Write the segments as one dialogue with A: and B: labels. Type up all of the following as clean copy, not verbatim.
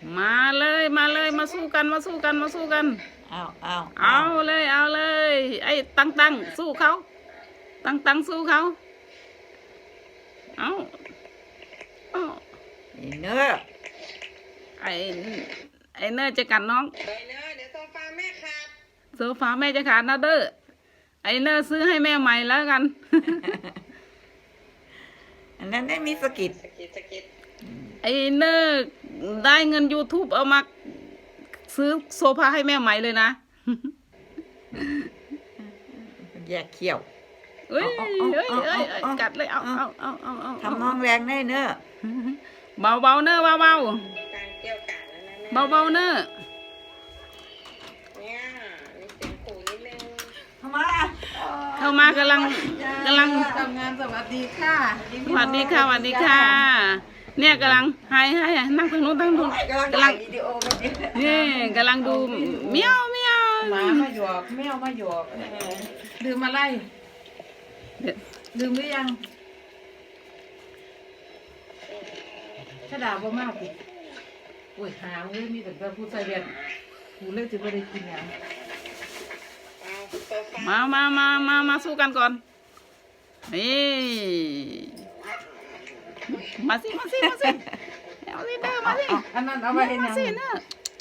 A: มาเลยมาเลยมาสู้กันมาสู้กันมาสู้กันเอาเลยเอาเลยไอ้ตั้งสู้เขาตั้งสู้เขาเอา
B: เนื้อ
A: ไอ้เนื้อจะกัดน้อง
C: ไปเนอะเดี๋ยวโซฟาแม่ขาด
A: โซฟาแม่จะขาดนะเด้อไอ้เนื้อซื้อให้แม่ใหม่แล้วกัน
B: อันนั้นได้มีสกิด
A: ไอ้เนื้อได้เงิน YouTube เอามาซื้อโซฟาให้แม่ใหม่เลยนะ
B: แยกเขี้ยว
A: เอ้ยกัดเลยเอา
B: ทำน้องแรงได้เนอะ
A: เบาเนอะเบา
C: การเกี่ยวกัดแล้วนะ
A: เบาเนอะ
C: เนี่ยมีเสียงขู่นิดนึง
A: เข้ามากำลัง
B: ทำงานสวัสดีค่ะ
A: สวัสดีค่ะเนี่ยกำลังให้นั่งตรงนู้นกำลัง
B: วิดีโอกัน
A: นี่กำลังดูเมียว
B: หมามาหยอกแมวมาหยอกดื่มอะไรดื่มหรือยังถ้าด่าบ่มากสิโอ้ยหาเลยมีแต่ผู้ใส่เบียดผู้เลิกจะไม่ได้กินอย่าง
A: มาสู้กันก่อนนี่มาสิเอาสิเด้อมาสิ
B: อันนั้นเอาไปเห็นยัง
A: เด้อ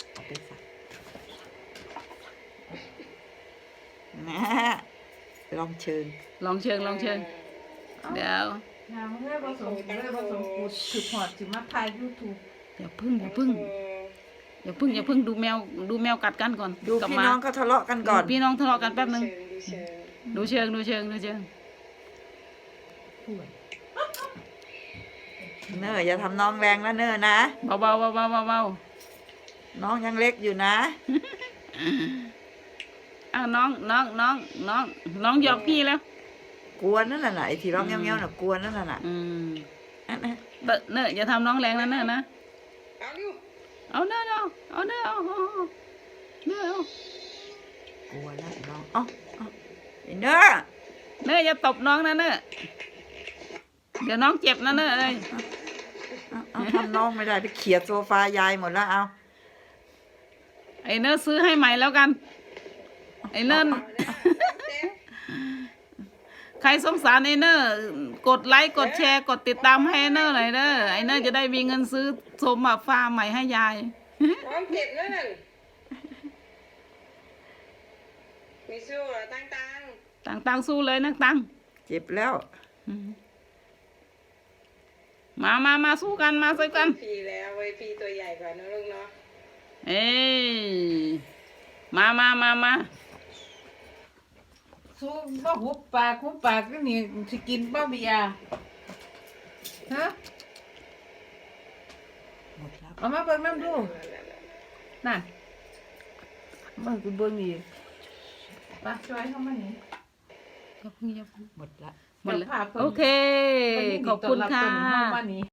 B: ลองเชิญ
A: เดี๋ยว
B: เมื่อผสมกูถือพอดถือมาถ่ายยูทูบ
A: อย่าพึ่งดูแมวกัดกันก่อน
B: ดูพี่น้องเขาทะเลาะกันก่อน
A: พี่น้องทะเลาะกันแป๊บนึงดูเชิง
B: เนออย่าทำน้องแรงนะเนอนะ
A: เบา
B: น้องยังเล็กอยู่นะ
A: อ้าวน้องหยอกพี่แล้ว
B: กวนนั่นแหละไอ้ที่ร้องเงี้ยวๆน่ะกวนนั่นแหละ
A: เนออย่าทำน้องแรงนะเนอนะเอาเนอกลัวแล้วน้
B: องเนอ
A: อย่าตบน้องนะเนอเดี๋ยวน้องเจ็บนะเนอเลย
B: ทำน้องไม่ได้ไปเขี่ยโซฟายายหมดแล้วเอา
A: ไอ้เนอซื้อให้ใหม่แล้วกันไอ้เนอใครสงสารไอ้เนอกดไลค์กดแชร์กดติดตามให้ไอ้เนอหน่อยเด้อไอ้เนอจะได้มีเงินซื้อโซฟาใหม่ให้ยาย
C: น้องเจ็บนั่นมีสู้เหรอ
A: ตั้งสู้เลยนะตั้ง
B: เจ็บแล้ว
A: มาสู้กันมาสู้กัน
C: พี่แล้วไว้พี่ตัวใหญ่กว่านะลูกเนาะ
A: เอ้มา
B: สู้บ่หุบปากก็นี่สิกินบ่เบียร์ฮะเอามาเบิ่งน้ำดูนั่นมากูเบิ่งนี่มาช่วยเข้ามานี่
A: อย่าพึ่ง
B: หมดละ
A: โอเคขอบคุณค่ะ